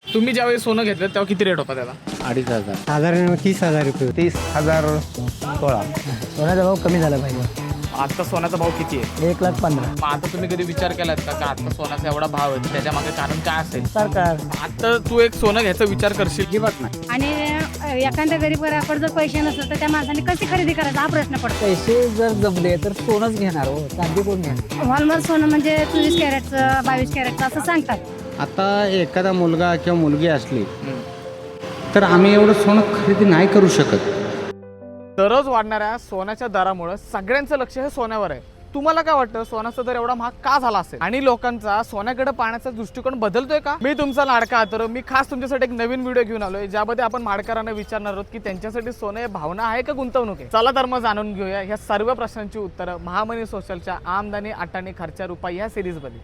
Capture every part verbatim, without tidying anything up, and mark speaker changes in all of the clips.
Speaker 1: तुम्ही ज्यावेळी सोनं घेतलं तेव्हा किती रेट होता त्याला?
Speaker 2: अडीच हजार
Speaker 3: साधारण तीस हजार रुपये.
Speaker 2: तीस हजार सोळा.
Speaker 3: सोन्याचा भाव कमी झाला पाहिजे.
Speaker 1: आता सोन्याचा भाव किती आहे?
Speaker 3: एक लाख पंधरा.
Speaker 1: मग आता तुम्ही कधी विचार केलात का का आता सोन्याचा एवढा भाव आहे त्याच्या मागे कारण काय असेल?
Speaker 3: सरकार
Speaker 1: आता तू एक सोनं घ्यायचा विचार करशील की
Speaker 3: अजिबात नाही.
Speaker 4: आणि एखाद्या गरीब घराकडे जर पैसे नसतील तर त्या माणसाने कशी खरेदी करायचा हा प्रश्न पडतो.
Speaker 3: पैसे जर जमले तर सोनच घेणार हो, चांदी कोण घेणार.
Speaker 4: हॉलमार्क सोनं म्हणजे चोवीस कॅरेटचं बावीस कॅरेटचं असं सांगतात.
Speaker 2: आता एखादा मुलगा किंवा मुलगी असली तर आम्ही एवढं सोनं खरेदी नाही करू शकत.
Speaker 1: दररोज वाढणाऱ्या सोन्याच्या दरामुळे सगळ्यांचं लक्ष हे सोन्यावर आहे. तुम्हाला काय वाटतं सोन्याचा दर एवढा महाग का झाला असेल आणि लोकांचा सोन्याकडे पाहण्याचा दृष्टिकोन बदलतोय का? मी तुमचा लाडका आतर मी खास तुमच्यासाठी एक नवीन व्हिडिओ घेऊन आलोय ज्यामध्ये आपण माडकरांना विचारणार आहोत की त्यांच्यासाठी सोनं हे भावना आहे का गुंतवणूक आहे. चला तर मग जाणून घेऊया ह्या सर्व प्रश्नांची उत्तरं महामनी सोशलच्या आमदानी अटाणी खर्चा रुपये या सिरीज मध्ये.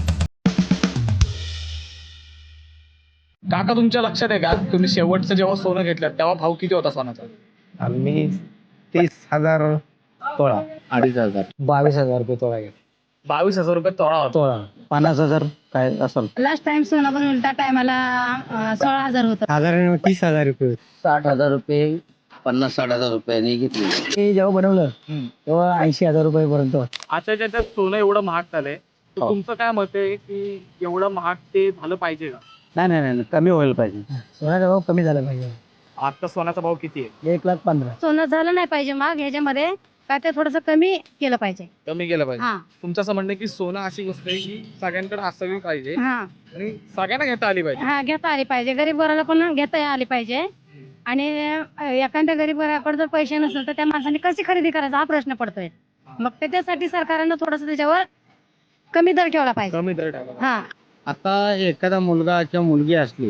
Speaker 1: काका तुमच्या लक्षात आहे का तुम्ही शेवटचं जेव्हा सोनं घेतलं तेव्हा भाव किती होता सोन्याचा?
Speaker 2: आम्ही तीस हजार सोळा. अडीच हजार
Speaker 3: बावीस हजार रुपये तोळा घेत.
Speaker 1: बावीस हजार रुपये तोळा होता.
Speaker 3: तोळा पन्नास हजार काय असेल.
Speaker 4: लास्ट टाइम सोनं पण उलटा टायमाला सोळा हजार होतं.
Speaker 3: साधारण तीस हजार रुपये.
Speaker 2: साठ हजार रुपये पन्नास साठ हजार रुपयांनी घेतली.
Speaker 3: हे जेव्हा बनवलं तेव्हा ऐंशी हजार रुपये पर्यंत.
Speaker 1: आता ज्याच्यात सोनं एवढं महाग झालंय तर तुमचं काय मत आहे की एवढं महाग ते झालं पाहिजे का?
Speaker 2: नाही नाही नाही कमी व्हायला पाहिजे.
Speaker 3: सोन्याचा भाव कमी झाला पाहिजे.
Speaker 1: आता सोन्याचा भाव किती आहे?
Speaker 3: एक लाख पंधरा.
Speaker 4: सोनं झालं नाही पाहिजे मग ह्याच्यामध्ये काय ते थोडंसं कमी केलं पाहिजे.
Speaker 1: कमी केलं पाहिजे.
Speaker 4: हा
Speaker 1: तुमचं असं म्हणणं आहे की सोनं अशी गोष्ट आहे की सगळ्यांकडे असावी पाहिजे
Speaker 4: हा
Speaker 1: आणि सगळ्यांना घेता आली पाहिजे.
Speaker 4: हा घेता आली पाहिजे. गरीब घराला पण घेता आली पाहिजे. आणि एखाद्या गरीब घराकडे जर पैसे नसतील तर त्या माणसाने कशी खरेदी करायचा हा प्रश्न पडतोय. मग त्याच्यासाठी सरकारनं थोडस त्याच्यावर कमी दर ठेवला पाहिजे.
Speaker 1: कमी दर टाका.
Speaker 4: हा
Speaker 2: आता एखादा मुलगा किंवा मुलगी असली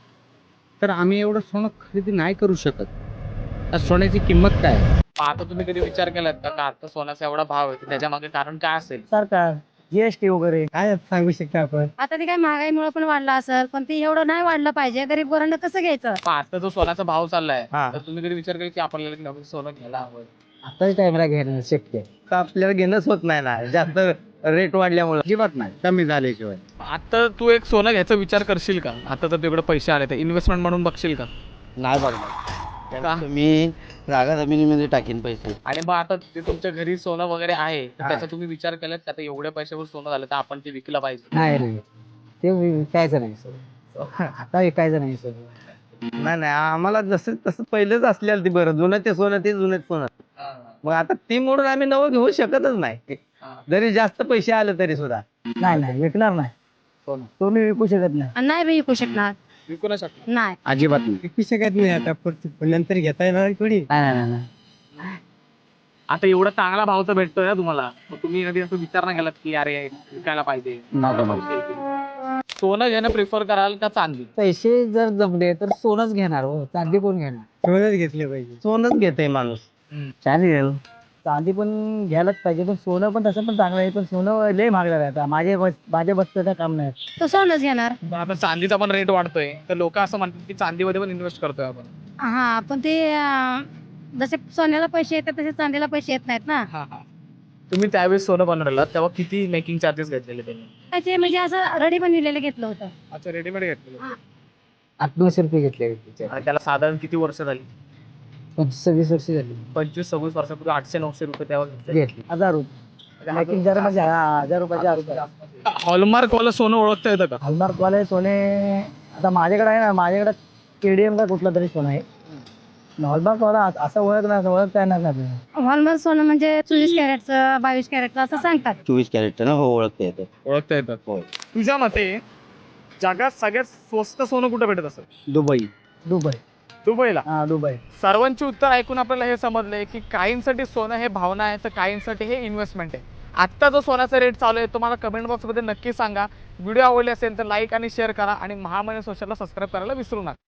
Speaker 2: तर आम्ही एवढं सोनं खरेदी नाही करू शकत. त्या सोन्याची किंमत काय आहे?
Speaker 1: आता तुम्ही कधी विचार केलात का का आता सोन्याचा एवढा भाव आहे त्याच्या मागे कारण काय असेल?
Speaker 3: सरकार जीएसटी वगैरे काय सांगू शकता आपण.
Speaker 4: आता ते काय महागाईमुळे पण वाढला असेल पण ते एवढं नाही वाढलं पाहिजे. गरीब घरांना कसं घ्यायचं.
Speaker 1: पण आता जो सोन्याचा भाव चाललाय
Speaker 3: हा.
Speaker 1: तर तुम्ही कधी विचार केला की आपल्याला एक नवीन सोनं घ्यायला हवं?
Speaker 3: आताच टाइमला घेणं शक्य आहे.
Speaker 2: तर आपल्याला घेणंच होत नाही ना जास्त रेट वाढल्यामुळे. अजिबात नाही कमी झाल्याशिवाय.
Speaker 1: आता तू एक सोनं घ्यायचा विचार करशील का? आता तर तुझ्याकडे पैसे आले तर इन्व्हेस्टमेंट म्हणून बघशील का?
Speaker 2: नाही
Speaker 1: का?
Speaker 2: बघणार. मी जागा जमिनीमध्ये टाकीन पैसे.
Speaker 1: आणि मग आता ते तुमच्या घरी सोनं वगैरे आहे तर त्याचा तुम्ही विचार केलात का आता एवढ्या पैशावर सोनं झालं तर आपण ते विकलं पाहिजे?
Speaker 3: नाही रे ते विकायचं नाही सर. आता विकायचं नाही सर.
Speaker 2: नाही नाही आम्हाला जसं तसं पहिलेच असलेलं ते बरं. जुनं ते सोनं ते जुनं सोनं. मग आता ती मोडून आम्ही नवं घेऊ शकतच नाही. जरी जास्त पैसे आले तरी सुद्धा
Speaker 3: नाही नाही विकणार नाही.
Speaker 1: सोनं
Speaker 3: तुम्ही विकू शकत नाही.
Speaker 4: आणि नाही बी विकू शकणार.
Speaker 1: विकू नाही शकतो.
Speaker 4: नाही
Speaker 2: अजिबात नाही.
Speaker 3: विकू शकत नाही. आता नंतर घेता येणार थोडी. नाही नाही नाही.
Speaker 1: आता एवढा चांगला भाव तर भेटतोय ना तुम्हाला मग तुम्ही कधी असं विचार नाही केलात की अरे विकायला पाहिजे? सोनं घेणं प्रिफर कराल का चांदी?
Speaker 3: पैसे जर जमले तर सोनच घेणार हो, चांदी कोण घेणार. सोनच घेतले पाहिजे.
Speaker 2: सोनच घेते माणूस.
Speaker 3: चालेल चांदी पण घ्यायलाच पाहिजे पण सोनं पण तसं पण चांगलं आहे. पण सोनं लय महाग झालं आता. माझे माझ्या बसचं काम नाही.
Speaker 4: तो सोनच घेणार.
Speaker 1: आता चांदीचा पण रेट वाढतोय तर लोक असं म्हणतात की चांदीमध्ये पण इन्व्हेस्ट करतोय आपण.
Speaker 4: हा पण ते अं, जसे सोन्याला पैसे येतात तसे चांदीला पैसे येत नाहीत ना.
Speaker 1: हा हा तुम्ही त्यावेळेस सोनं बनवलेलं तेव्हा किती मेकिंग चार्जेस घेतलेले त्यांनी?
Speaker 4: त्याचे म्हणजे असं रेडी बनविलेलं घेतलं होतं.
Speaker 1: अच्छा रेडीमेड घेतलेलं.
Speaker 3: आठ नऊशे रुपये घेतले.
Speaker 1: आणि त्याला साधारण किती वर्ष झाली?
Speaker 3: पंचवीस सव्वीस वर्ष झाली
Speaker 1: पंचवीस सव्वीस वर्षापूर्वी आठशे नऊशे रुपये त्यावर घेतले.
Speaker 3: घेतली. हजार रुपये मेकिंग जर म्हणजे हा, हजार रुपयाचे हजार रुपये.
Speaker 1: हॉलमार्क वाला सोनं ओळखता येतं का?
Speaker 3: हॉलमार्क वाले सोने आता माझ्याकडे आहे ना. माझ्याकडे केडीएम का कुठला तरी सोनं आहे. हॉलमार्क वाला असं ओळख ना ओळखता येणार नाही.
Speaker 4: हॉलमार्क सोनं म्हणजे चोवीस कॅरेटचं बावीस कॅरेटचं असं सांगतात.
Speaker 2: चोवीस कॅरेट ना. हो ओळखता येतं.
Speaker 1: ओळखता येतात. तुझ्या मते जगात सगळ्यात स्वस्त सोनं कुठं भेटत असेल?
Speaker 2: दुबई.
Speaker 3: दुबई.
Speaker 1: दुबईला.
Speaker 3: हा दुबई.
Speaker 1: सर्वांची उत्तर ऐकून आपल्याला हे समजलंय की काहींसाठी सोनं हे भावना आहे तर काहींसाठी हे इन्व्हेस्टमेंट आहे. आत्ता जो सोन्याचा रेट चालू आहे तो मला कमेंट बॉक्समध्ये नक्की सांगा. व्हिडिओ आवडले असेल तर लाईक आणि शेअर करा आणि महामनी सोशलला सबस्क्राईब करायला विसरू नका.